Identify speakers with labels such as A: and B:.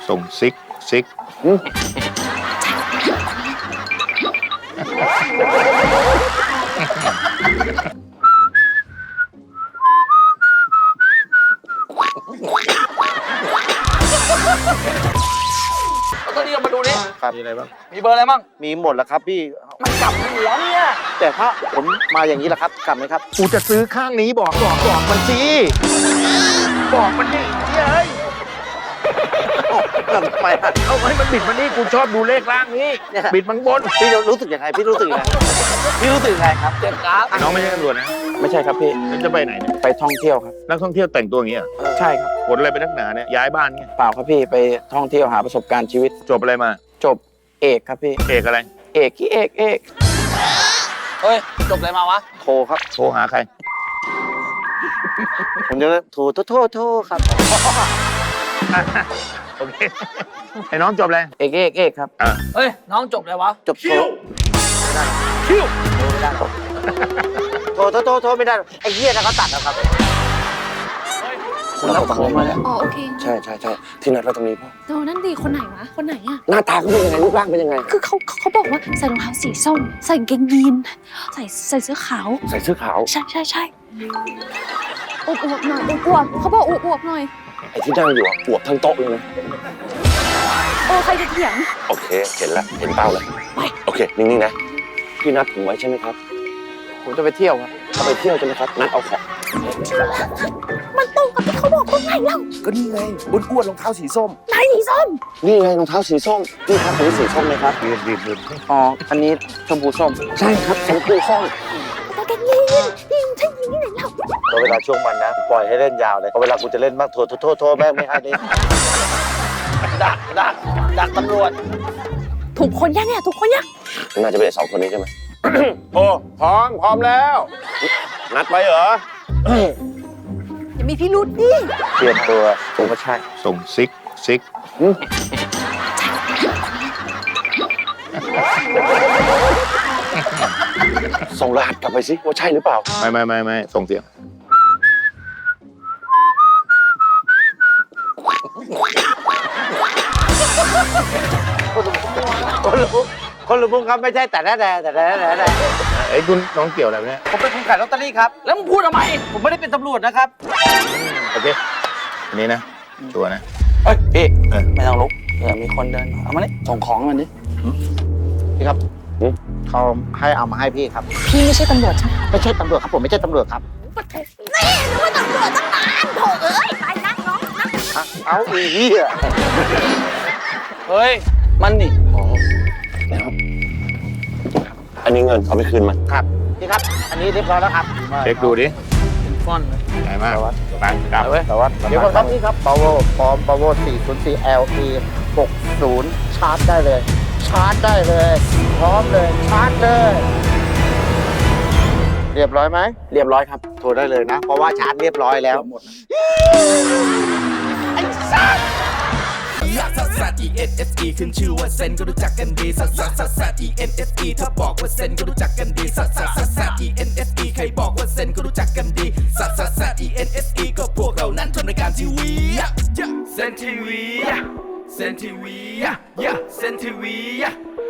A: ส่งซิก
B: เอาตัวนี้ออกมาดูดิ
C: ครับมีอะไรบ้าง
B: มีเบอร์อะไรบ้าง
C: มีหมดแล้วครับพี่
B: มันกลับหัวเนี่ย
C: แต่ถ้าผมมาอย่างนี้ล่ะครับกลับไหมครับ
A: กูจะซื้อข้างนี้บอกมันสิบอกมันดิเฮ้ย
C: ทำไมอ่ะ
A: เอาให้มันบิดมันนี่กูชอบดูเลขล่างนี้
C: เนี่ย
A: บิดมันบน
C: พี่รู้สึกยังไงพี่รู้สึกยังไงพี่รู้สึกยังไงครับ
B: เจ็บกราฟ
A: น้องไม่ใช่ตำรวจนะ
D: ไม่ใช่ครับพี่
A: แล้วจะไปไหนเนี่ย
D: ไปท่องเที่ยวครับ
A: นักท่องเที่ยวแต่งตัวอย่างเงี้ย
D: ใช่ครับ
A: ผลอะไรไปนักหนาเนี่ยย้ายบ้านเงี้ย
D: เปล่าครับพี่ไปท่องเที่ยวหาประสบการณ์ชีวิต
A: จบอะไรมา
D: จบเอกครับพี่
A: เอกอะไร
D: เอกที่เอก
B: เฮ้ยจบอะไรมาวะ
C: โทรครับ
A: โทรหาใคร
C: ผมจะโทรครับ
A: โอเคไอ้น้องจบอะไร
D: เอกครับ
B: เฮ้ยน้องจบอะไรวะ
C: จบโทรคิวโทรไม่ได้หรอกโทรไม่ได้หรอกไอ้เหี้ยนะเขาตัดนะครับ
D: คุณรับของมาแล้ว
E: อ๋อโอเค
D: ใช่ที่นัดเราตรงนี้พ่อ
E: โดนั่นดีคนไหนวะ คนไหนอะ
D: หน้าตาเขาเป็นยังไงรูปร่างเป็นยังไง
E: คือเขาบอกว่าใส่รองเท้าสีส้ม ใส่กางเกงยีนใส่เสื้อขาว
D: ใส่เสื้อขาว
E: ใช่อวบหน่อยอวบเขาบอกอวบหน่อย
D: ไอ้ที่นั่งอยู่อ่ะอวบทั้งโต๊ะเลยนะ
E: ใครจะเถียง
D: โอเคเห็นแล้วเห็นเป้าแล้วโอเคนิ่งๆนะพี่นัดผมไว้ใช่ไหมครับผมจะไปเที่ยวครับจะไปเที่ยวใช่ไหมครับนัดเอาของ
E: มันตรงกับที่เขาบอกตรงไหนเล่า
D: ก็นี่ไงอ้วนๆรองเท้าสีส้ม
E: ไหนสีส้ม
D: นี่ไงรองเท้าสีส้มนี่ครับอันนี้สีส้มไหมครับ
A: รีบ
D: อ๋ออันนี้ชมพูส้มใช่ครับชมพูส้ม
E: กางเกงยีนใช่ยีนที่ไหนเล่า
C: พอเวลาช่วงมันนะปล่อยให้เล่นยาวเลยพอเวลากูจะเล่นมากโทรแม่งไม่ให้นี่
B: ดักตำรวจ
E: ถูกคนยังเนี่ยถูกคนยัง
D: น่าจะเป็นสองคนนี้ใช่ไหม
A: โอ้พร้อมแล้ว
D: นัดไว้เหรอ
E: อย่ามีพิรุษดิ
C: เตรียมตัว
D: ผมก็ใช่
A: ส่งซิก
D: ส่งรหัสกลับไปสิว่าใช่หรือเปล่า
A: ไม่ส่งเสียง
C: คนรู้ครับไม่ใช่แต่
A: ไอ้คุณน้องเกี่ยวอะไรเนี่ย
C: ผมเป็นคนขายลอตเตอรี่ครับ
B: แล้วมึงพูดทำไม
C: ผมไม่ได้เป็นตำรวจนะครับ
A: โอเคอันนี้นะชัวร์นะ
D: เฮ้ยพี่
B: ไม่ต้องลุกเดี๋ยวมีคนเดินมาเอามานี่
D: ส่งของมันดิ
C: พี่ครับเขาให้เอามาให้พี่ครับ
E: พี่ไม่ใช่ตำรวจใช่ไหม
C: ไม่ใช่ตำรวจครับผมไม่ใช่ตำรวจครับ
E: นี่นึกว่าตำรวจตั้งนานโถเอ้ยไปนั่งน้องนั่ง
C: เอาอีเหี้ย
B: เฮ้ยมันนี่
D: นะครับอันนี้เงินเอาไปคืนมัน
C: ครับพี่ครับ อันนี้เรียบร้อยแล้วครับ
A: เช็คดูดิ
B: เป็นฟอนต์เลย
A: ใหญ่มากไปกลับ
C: แต่ว่าเดี๋ยวก่อนครับนี่ครับ power พร้อม power 404 LE 60 ชาร์จได้เลย ชาร์จได้เลย พร้อมเลย ชาร์จเลย เรียบร้อยไหม
D: เรียบร้อยครับ
C: โทรได้เลยนะ เพราะว่าชาร์จเรียบร้อยแล้ว
F: ลักซัสซัส E-N-S-E ขึ้นชื่อว่าเซนก็รู้จักกันดีซัสซัสซัสซัส E-N-S-E ถ้าบอกว่าเซนก็รู้จักกันดีซัสซัสซัสซัส E-N-S-E ใครบอกว่าเซนก็รู้จักกันดีซัสซัสซัส E-N-S-E ก็พวกเรานั้นทำรายการทีวีเซนทีวีเซนทีวีเซนทีวี